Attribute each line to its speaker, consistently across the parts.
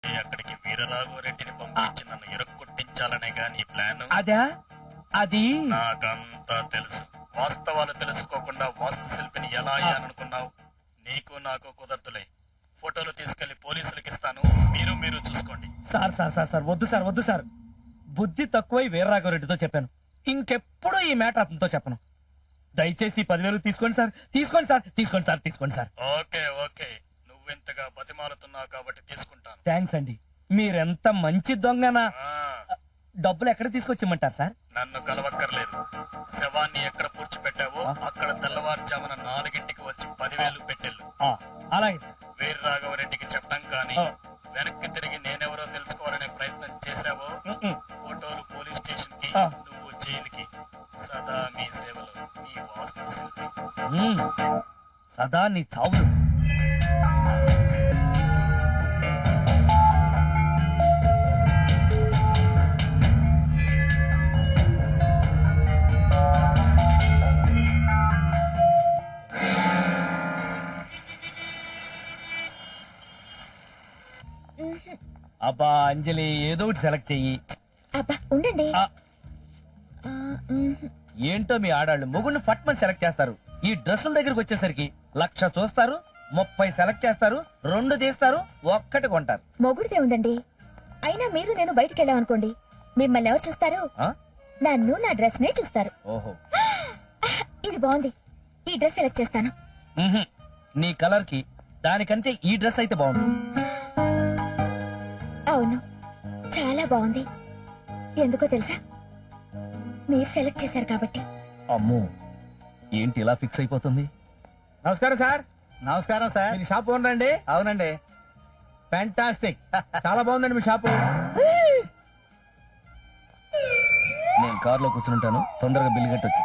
Speaker 1: అక్కడికి వీరరాఘవరెడ్డిని పంపించి నన్ను ఇరక్కొట్టించాలనే గాని ప్లాన్.
Speaker 2: అదా అది
Speaker 1: నాకంతా తెలుసు. వాస్తవాలు తెలుసుకోకుండా వాస్తు శిల్పిని ఎలా అయ్యాననుకున్నావు? నీకు నాకు కుదరదులే. ఫోటోలు తీసుకెళ్లి పోలీసులకు ఇస్తాను. మీరు చూసుకోండి.
Speaker 2: సార్ సార్ సార్ సార్ వద్దు సార్, వద్దు సార్. బుద్ధి తక్కువై వీరరాఘవరెడ్డితో చెప్పాను. ఇంకెప్పుడు ఈ మ్యాటర్ అతనితో చెప్పను. దయచేసి 10,000 తీసుకోండి సార్, తీసుకోండి సార్, తీసుకోండి సార్, తీసుకోండి సార్.
Speaker 1: ఓకే ఓకే, నువ్వెంతగా బతిమాలుతున్నావు కాబట్టి తీసుకుంటాను.
Speaker 2: థ్యాంక్స్ అండి. మీరెంత మంచి దొంగనా. డబ్బులు ఎక్కడ తీసుకొచ్చిమ్మంటారు సార్?
Speaker 1: నన్ను కలవక్కర్లేదు. శవాన్ని ఎక్కడ పూడ్చిపెట్టావో అక్కడ తెల్లవారుజామున 4 వచ్చి 10,000 పెట్టెళ్ళు.
Speaker 2: అలాగే సార్.
Speaker 1: వీరరాఘవరెడ్డికి చెప్పడం కానీ వెనక్కి తిరిగి నేనెవరో తెలుసుకోవాలనే ప్రయత్నం చేశావో ఫోటోలు పోలీస్ స్టేషన్ కి, నువ్వు జైలుకి. సదా మీ సేవలో మీ వాస్తు శిల్పి.
Speaker 2: సదా నీ చావులు. అబ్బా అంజలి, ఏదో ఒకటి సెలెక్ట్ చెయ్యి.
Speaker 3: అబ్బా ఉండండి.
Speaker 2: ఏంటో మీ ఆడాళ్ళు మొగుడిని ఫట్మని సెలెక్ట్ చేస్తారు. ఈ డ్రెస్సుల దగ్గరికి వచ్చేసరికి 1,00,000 చూస్తారు, 30 సెలెక్ట్ చేస్తారు, 2 తీస్తారు, 1 కొంటారు.
Speaker 3: మొగుడితే ఉందండి. అయినా మీరు నేను బయటికి వెళ్ళామనుకోండి, మిమ్మల్ని ఎవరు చూస్తారు? నన్ను నా డ్రెస్ నే చూస్తారు.
Speaker 2: ఓహో,
Speaker 3: ఇది బాగుంది, ఈ డ్రెస్ సెలెక్ట్ చేస్తాను.
Speaker 2: నీ కలర్ కి దానికంటే ఈ డ్రెస్ అయితే బాగుంది.
Speaker 3: అవును, చాలా బాగుంది. ఎందుకో తెలుసా? మీరు సెలెక్ట్ చేశారు కాబట్టి.
Speaker 2: అమ్మో, ఏంటి ఇలా ఫిక్స్ అయిపోతుంది? నమస్కారం సార్.
Speaker 4: నమస్కారం సార్.
Speaker 2: మీ షాప్ ఓనర్ అండి?
Speaker 4: అవునండి.
Speaker 2: ఫ్యాంటాస్టిక్, చాలా బాగుందండి మీ షాపు. నేను కార్ లో కూర్చుంటాను, తొందరగా బిల్లు కట్టొచ్చు.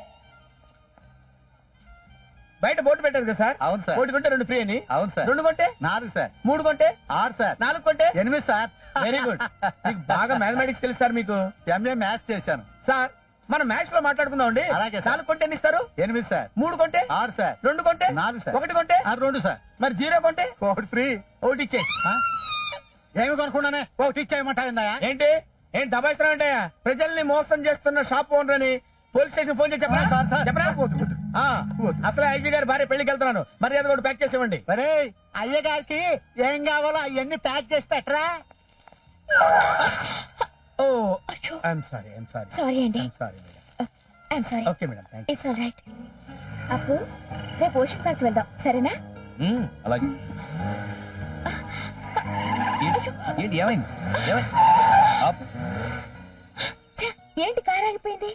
Speaker 2: బయట బోర్డు పెట్టారు కదా సార్?
Speaker 4: అవును సార్.
Speaker 2: 1 కొంటే 2 ఫ్రీ అని.
Speaker 4: అవును సార్.
Speaker 2: 2 కొంటే
Speaker 4: 4 సార్.
Speaker 2: 3 కొంటే
Speaker 4: 6 సార్.
Speaker 2: 4 కొంటే
Speaker 4: 8 సార్.
Speaker 2: Very good. మీకు బాగా మ్యాథమెటిక్స్ తెలుసు సార్. మీకు
Speaker 4: ఎంఏ మ్యాథ్స్ చేశాను
Speaker 2: సార్. మనం మ్యాథ్స్ లో మాట్లాడుకుందాం అండి.
Speaker 4: అలాగే సార్.
Speaker 2: 4 కొంటే ఎన్ని ఇస్తారు?
Speaker 4: 8 సార్.
Speaker 2: 3 కొంటే
Speaker 4: 6 సార్.
Speaker 2: 2 కొంటే
Speaker 4: 4 సార్.
Speaker 2: 1 కొంటే
Speaker 4: 2 సార్.
Speaker 2: మరి 0 కొంటే
Speaker 4: 1 ఫ్రీ.
Speaker 2: 1 ఇచ్చే.
Speaker 4: ఏమి కొనుక్కున్నానే 1 ఇచ్చేయమంటాయిందా?
Speaker 2: ఏంటి దబాయిస్తున్నావు అంటే? ప్రజల్ని మోసం చేస్తున్న షాప్ ఓనర్ అని పోలీస్ స్టేషన్ ఫోన్ చేసి చెప్పరా?
Speaker 4: Sir, sir.
Speaker 2: చెప్పరా? అసలే ఐజీ గారి భార్య పెళ్లికి వెళ్తున్నాను, మర్యాద కూడా ప్యాక్ చేసి ఇవ్వండి.
Speaker 4: అరే అయ్య గారికి ఏం కావాలో అవన్నీ ప్యాక్ చేసి పెట్టరా.
Speaker 2: Oh I'm sorry, I'm sorry.
Speaker 3: Sorry అండి.
Speaker 2: I'm sorry madam.
Speaker 3: I'm sorry.
Speaker 2: Okay madam, thank
Speaker 3: it's all right. అప్పు, రేపు ఓషన్ పార్క్ వెళ్దాం, సరేనా?
Speaker 2: యూ. అలాగే. ఏంటి ఏమైంది? ఆపు.
Speaker 3: ఛ, ఏంటి కారు ఆగిపోయింది?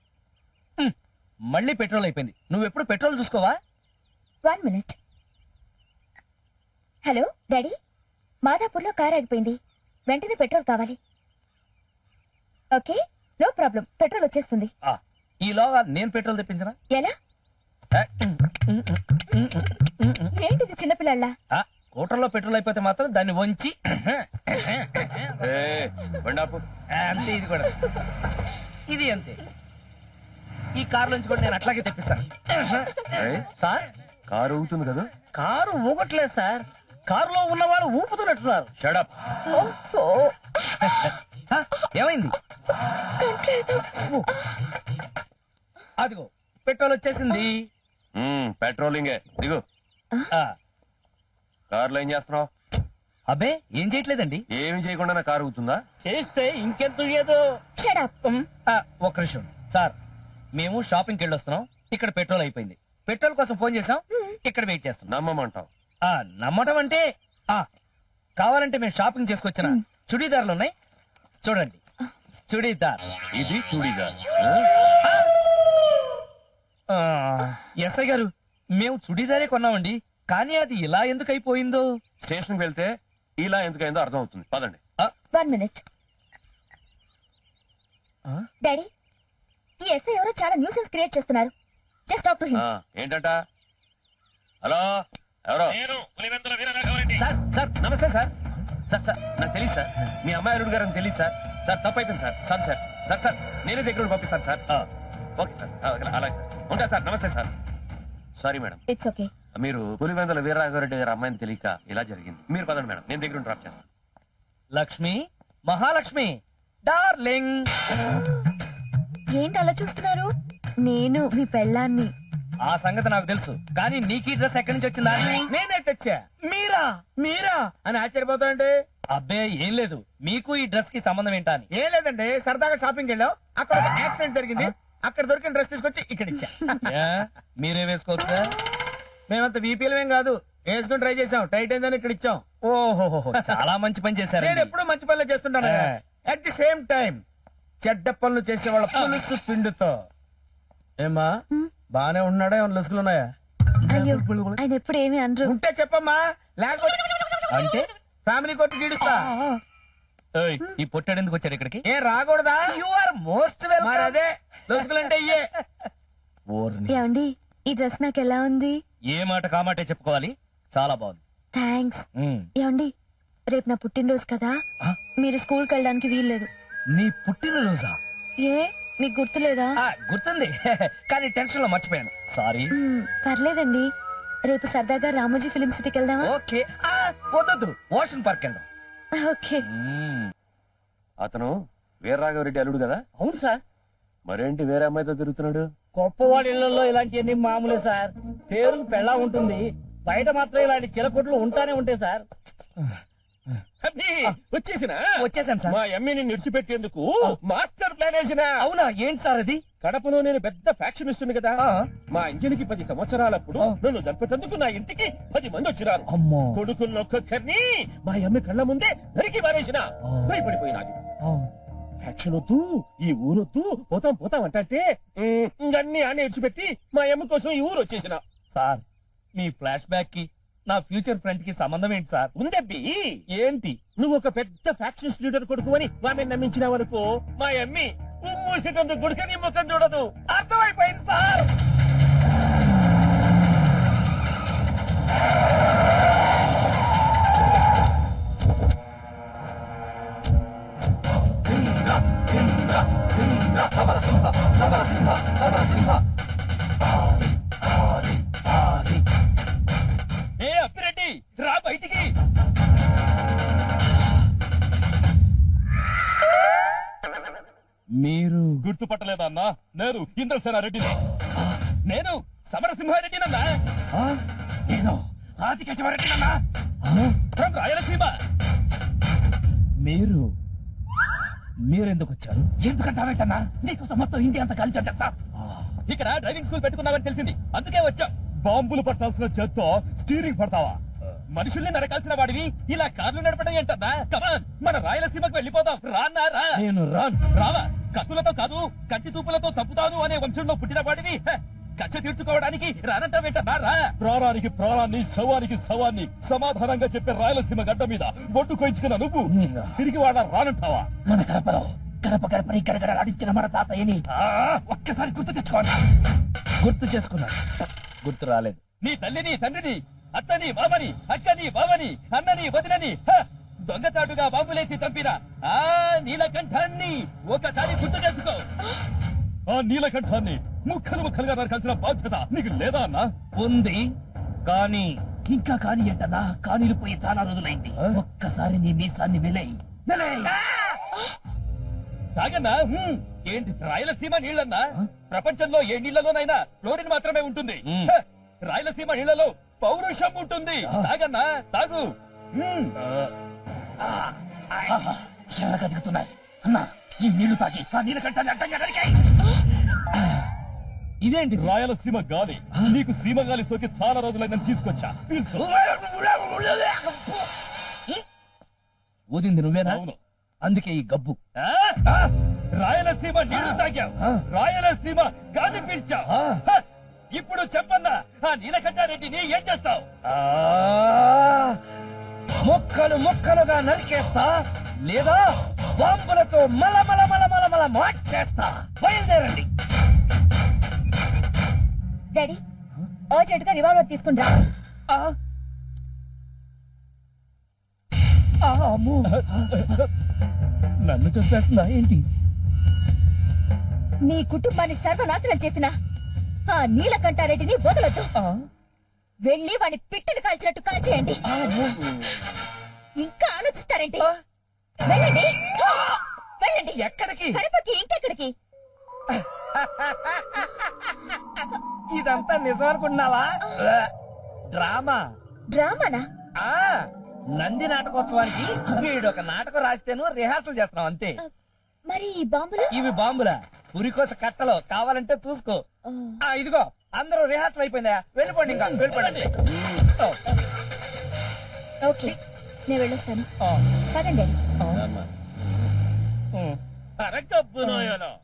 Speaker 2: మళ్ళీ పెట్రోల్ అయిపోయింది. నువ్వు ఎప్పుడు పెట్రోల్ చూసుకోవా?
Speaker 3: 1 మినిట్. హలో డాడీ, మాదాపూర్ లో కార్ ఆగిపోయింది, వెంటనే పెట్రోల్ కావాలి. ఓకే, నో ప్రాబ్లం, పెట్రోల్ వచ్చేస్తుంది.
Speaker 2: ఈలోగా నేను పెట్రోల్ తెప్పించనా?
Speaker 3: ఎలా? ఏంటిది చిన్నపిల్లల్లా?
Speaker 2: స్కూటర్లో పెట్రోల్ అయిపోతే మాత్రం దాన్ని వంచి అంతే. ఇది కూడా ఇది అంతే. ఈ కారు నుంచి కూడా నేను అట్లాగే తెప్పిస్తాను. సార్,
Speaker 4: కారు ఊగుతుంది కదా?
Speaker 2: కారు ఊగట్లేదు సార్, కారులో ఉన్న వాళ్ళు ఊపుతున్నట్టున్నారు. షడప్. ఏమైంది? అదిగో పెట్రోల్ వచ్చేసింది.
Speaker 4: పెట్రోలింగే. దిగు. కారులో ఏం చేస్తున్నావు?
Speaker 2: అబ్బే ఏం చేయట్లేదండి.
Speaker 4: ఏమి చేయకుండా నా కారు ఊగుతుందా?
Speaker 2: చేస్తే ఇంకెంత ఏదో.
Speaker 3: షడప్.
Speaker 2: ఒక్క నిమిషం సార్, మేము షాపింగ్కి వెళ్ళొస్తున్నాం, ఇక్కడ పెట్రోల్ అయిపోయింది. పెట్రోల్ కోసం ఫోన్ చేసాం, ఇక్కడ వెయిట్ చేస్తున్నాం.
Speaker 4: నమ్మమంటావు?
Speaker 2: నమ్మటం అంటే కావాలంటే మేము షాపింగ్ చేసుకొచ్చిన చుడీదార్లు ఉన్నాయి, చూడండి. చుడీదార్.
Speaker 4: ఇది చూడీదార్.
Speaker 2: ఎస్ఐ గారు, మేము చుడీదారే కొన్నామండి, కానీ అది ఇలా ఎందుకు అయిపోయిందో.
Speaker 4: స్టేషన్ కి వెళ్తే ఇలా ఎందుకైందో అర్థం అవుతుంది. పదండి.
Speaker 3: 1 మినిట్. డాడీ, ఈ ఎస్ఐ ఎవరో చాలా న్యూసెన్స్ క్రియేట్ చేస్తున్నారు. Just talk to him.
Speaker 4: ఏంటంట? హలో, ఎవరో?
Speaker 2: సార్ సార్ నమస్తే సార్. సార్ సార్ నాకు తెలియదు సార్, మీ అమ్మాయి అల్లుడు గారు అని తెలియదు సార్. సార్ తప్పు అయిపోయింది sir. Sir sir sir sir నేనే దగ్గర పంపిస్తాను సార్. ఓకే సార్, అలాగే సార్. ఉంటా సార్. నమస్తే sir. Sorry madam.
Speaker 3: It's okay.
Speaker 4: మీరు పులివెందుల వీరరాఘవరెడ్డి గారి అమ్మాయిని తెలియక ఇలా జరిగింది. మీరు పదండి మేడం, నేను దగ్గర డ్రాప్ చేస్తాను.
Speaker 2: లక్ష్మి, మహాలక్ష్మి, డార్లింగ్.
Speaker 3: ఏంటి అలా చూస్తున్నారు? నేను మీ పెళ్ళాన్ని.
Speaker 2: ఆ సంగతి నాకు తెలుసు, కానీ నీకు ఈ డ్రెస్ ఎక్కడి నుంచి వచ్చిందా?
Speaker 4: నేనే తెచ్చా. మీరా మీరా అని ఆశ్చర్యపోతాండి.
Speaker 2: అబ్బే ఏం లేదు, మీకు ఈ డ్రెస్ కి సంబంధం ఏంటా అని.
Speaker 4: ఏం లేదండి, సరదాగా షాపింగ్ వెళ్ళాం, అక్కడ ఒక యాక్సిడెంట్ జరిగింది, అక్కడ దొరికిన డ్రెస్ తీసుకొచ్చి ఇక్కడ ఇచ్చా.
Speaker 2: ఏ, మీరే వేసుకోవచ్చుగా?
Speaker 4: మేమంత వీపీలమేం కాదు, వేసుకుని ట్రై చేసాం, టైట్ అయిందని ఇక్కడ ఇచ్చాం.
Speaker 2: ఓహో, చాలా మంచి పని చేశారు.
Speaker 4: నేను ఎప్పుడూ మంచి పనులు చేస్తుంటాను. అట్ ది సేమ్ టైం చెడ్డ పనులు చేసే వాళ్ళ పులుసు పిండుతో. ఏమ్మా బానే ఉన్నాడా? ఏమన్నా లొసుగులు ఉన్నాయా?
Speaker 3: అయ్యో ఆయన ఎప్పుడు ఏమి అనరు.
Speaker 4: ఉంటే చెప్పమ్మా, లేకపోతే
Speaker 2: అంటే
Speaker 4: ఫ్యామిలీ కోర్టు గీడుస్తా.
Speaker 2: ఏయ్, ఈ పొట్టాడు ఎందుకు వచ్చాడు ఇక్కడికి?
Speaker 4: ఏం రాకూడదా?
Speaker 2: యు ఆర్ మోస్ట్
Speaker 4: మరి
Speaker 2: వెల్కమ్.
Speaker 4: అదే లొసుగులంటే ఇయ్యే.
Speaker 3: ఏమండి ఈ డ్రెస్ నాకు ఎలా ఉంది?
Speaker 2: ఏ మాట కామాటే చెప్పుకోవాలి, చాలా బాగుంది.
Speaker 3: థ్యాంక్స్.
Speaker 2: ఉమ్.
Speaker 3: ఏమండి రేపు నా పుట్టినరోజు కదా,
Speaker 2: ఆ?
Speaker 3: మీరు స్కూల్కి వెళ్ళడానికి వీల్లేదు.
Speaker 2: నీ పుట్టినరోజా?
Speaker 3: ఏ మీకు గుర్తులేదా?
Speaker 2: గుర్తుంది, కానీ టెన్షన్ లో మర్చిపోయాను, సారీ.
Speaker 3: పర్లేదండి, రేపు సరదాగా రామోజీ ఫిలిం సిటీకి వెళ్దామా?
Speaker 2: ఓకే. వద్దు, ఓషన్ పార్క్ వెళ్దాం.
Speaker 3: ఓకే.
Speaker 2: అతను వీర్రాఘవరెడ్డి అల్లుడు కదా?
Speaker 4: అవును సార్.
Speaker 2: మరేంటి వేరే అమ్మాయితో తిరుగుతున్నాడు?
Speaker 4: గొప్పవాడి ఇళ్లలో ఇలాంటివన్నీ మామూలే సార్. పేరుకు పెళ్ళా ఉంటుంది, బయట మాత్రం ఇలాంటి చిలకొట్లు ఉంటానే ఉంటాయి సార్.
Speaker 2: వచ్చేసాను సార్.
Speaker 5: మా ఎమ్మిని నిడిచిపెట్టేందుకు మాస్టర్ ప్లాన్ వేసిన.
Speaker 2: అవునా, ఏంటి సార్ అది?
Speaker 5: కడపలో నేను పెద్ద ఫ్యాక్షన్ ఇస్తుంది కదా,
Speaker 2: ఆ.
Speaker 5: మా ఇంజనికి 10 సంవత్సరాలప్పుడు
Speaker 2: ఆ.
Speaker 5: నన్ను చంపేటందుకు నా ఇంటికి 10 మంది వచ్చినారు.
Speaker 2: అమ్మో.
Speaker 5: కొడుకున్నొక్కొక్కరిని మా అమ్మ కళ్ళ ముందే నరికి మారేసిన. భయపడిపోయినాది. ఫ్యాక్షన్ వద్దు, ఈ ఊరొద్దు, పోతాం అంటే ఇంకన్నీ ఆనే ఇడిచిపెట్టి మా అమ్మ కోసం ఈ ఊరు వచ్చేసిన.
Speaker 2: సార్, మీ ఫ్లాష్ బ్యాక్ కి నా ఫ్యూచర్ ఫ్రెండ్ కి సంబంధం ఏంటి సార్?
Speaker 5: ఉందబ్బి,
Speaker 2: ఏంటి?
Speaker 5: నువ్వు ఒక పెద్ద ఫ్యాక్షన్ లీడర్ కొడుకు అని ఆమె నమ్మించిన వరకు మా అమ్మి మూసేటందుకు గుడికని ముఖం చూడదు.
Speaker 2: అర్థమైపోయింది సార్.
Speaker 5: ఏ అప్పిరెడ్డి, రా బయటికి.
Speaker 2: మీరు
Speaker 5: గుర్తుపట్టలేదా అన్నా? నేను ఇంద్రసేనారెడ్డిని. నేను సమరసింహారెడ్డినన్నా. నేను ఆదికేశవరెడ్డినన్నా. ఫ్రమ్ రాయలసీమ.
Speaker 2: మీరెందుకు వచ్చారు?
Speaker 5: ఎందుకంటావేంటన్నా? నీకోసం మొత్తం ఇండియా అంతా కలిసి వచ్చేస్తా. ఇక్కడ డ్రైవింగ్ స్కూల్ పెట్టుకున్నావని తెలిసింది, అందుకే వచ్చా. బాంబులు పట్టాల్సిన చేత్తో స్టీరింగ్ పడతావా? మనుషుల్ని నరకాల్సిన వాడివి ఇలా కార్లు నడపడం ఏంటన్నా? కమాన్, మన రాయలసీమకు వెళ్ళిపోదాం. రాన్నా రా.
Speaker 2: నేను రాను.
Speaker 5: రావా? కత్తులతో కాదు, కంటి తూపులతో చంపుతాను అనే వంశంలో పుట్టిన వాడివి. కక్ష తీర్చుకోవడానికి రానంటావేంటన్నా? రా. ప్రాణానికి ప్రాణాన్ని, శవానికి శవాన్ని సమాధానంగా చెప్పే రాయలసీమ గడ్డ మీద బొట్టు కోయించుకున్న నువ్వు తిరిగి వాడ రానంటావా?
Speaker 2: మన కడపలో గడపని గడగడలాడించిన మన తాతయ్యని
Speaker 5: ఒక్కసారి గుర్తు తెచ్చుకోండి.
Speaker 2: గుర్తు చేసుకున్నాను, గుర్తు రాలేదు.
Speaker 5: నీ తల్లిని, తండ్రిని, అత్తని, మామని, అక్కని, బావని, అన్నని, వదినని దొంగచాటుగా బాంబులేసి చంపిన ఆ నీలకంఠాన్ని ఒకసారి గుర్తు చేసుకో. ఆ నీలకంఠాన్ని ముక్కలుగా నరకాల్సిన బాధ్యత నీకు లేదా అన్నా?
Speaker 2: ఉంది, కానీ
Speaker 5: ఇంకా కాని ఏంటన్నా? కానీలు పోయి చాలా రోజులైంది. ఒక్కసారి నీ మీసాన్ని వెలై తాగన్నా. ఏంటి రాయలసీమ నీళ్ళన్నా? ప్రపంచంలో ఏ నీళ్లలోనైనా క్లోరిన్ మాత్రమే ఉంటుంది. రాయలసీమ నీళ్లలో పౌరుషం ఉంటుంది. తాగన్నా, తాగు. ఎర్రగా దిగుతున్నాయి అన్నా. ఈ నీళ్లు తాగి ఆ నీళ్ళకంటే అడ్డంగా నరికాయి.
Speaker 2: ఇదేంటి?
Speaker 5: రాయలసీమ గాలి. నీకు సీమ గాలి సోకి చాలా రోజులైందని తీసుకొచ్చా.
Speaker 2: ఊదింది నువ్వేనా?
Speaker 5: అవును.
Speaker 2: అందుకే ఈ గబ్బు.
Speaker 5: రాయలసీమ నీళ్లు తాగావు, రాయలసీమ గాలి పీల్చావు. ఇప్పుడు చెప్పన్నా, ఆ నీలకంఠారెడ్డిని ఏం చేస్తావు?
Speaker 2: ముక్కలుగా నరికేస్తా, లేదా బాంబులతో మల మార్చేస్తా. బయలుదేరండి.
Speaker 3: డాడీ అర్జెంట్ గా రివాల్వర్ తీసుకుంటా.
Speaker 2: నన్ను చంపేస్తుందా ఏంటి?
Speaker 3: నీ కుటుంబాన్ని సర్వనాశనం చేసిన ఆ నీలకంఠారెడ్డిని వదలొద్దు. వెళ్ళి వాడిని పిట్టలు కాల్చినట్టు కాల్చేయండి. ఇంకా ఆలోచిస్తారేంటి? వెళ్ళండి వెళ్ళండి.
Speaker 5: ఎక్కడికి?
Speaker 3: కడపకి, ఇంకెక్కడికి?
Speaker 5: ఇదంతా నిజం అనుకుంటున్నావా? డ్రామా.
Speaker 3: డ్రామానా?
Speaker 5: ఆ నంది నాటకోత్సవానికి వీడు ఒక నాటకం రాస్తేను రిహార్సల్ చేస్తున్నాం అంతే.
Speaker 3: మరి ఈ బాంబులు?
Speaker 5: ఇవి బాంబులా? ఉరికోస కట్టలో కావాలంటే చూసుకో. ఇదిగో అందరూ రిహార్సల్ అయిపోయిందా? వెళ్ళిపోండి, ఇంకా వెళ్ళిపోండి.
Speaker 3: ఓకే, నేను వెళ్ళొస్తాను.
Speaker 5: ఆ,
Speaker 3: పదండి.
Speaker 2: అమ్మా.
Speaker 5: కరెక్ట్.
Speaker 1: డబ్బు నోయలో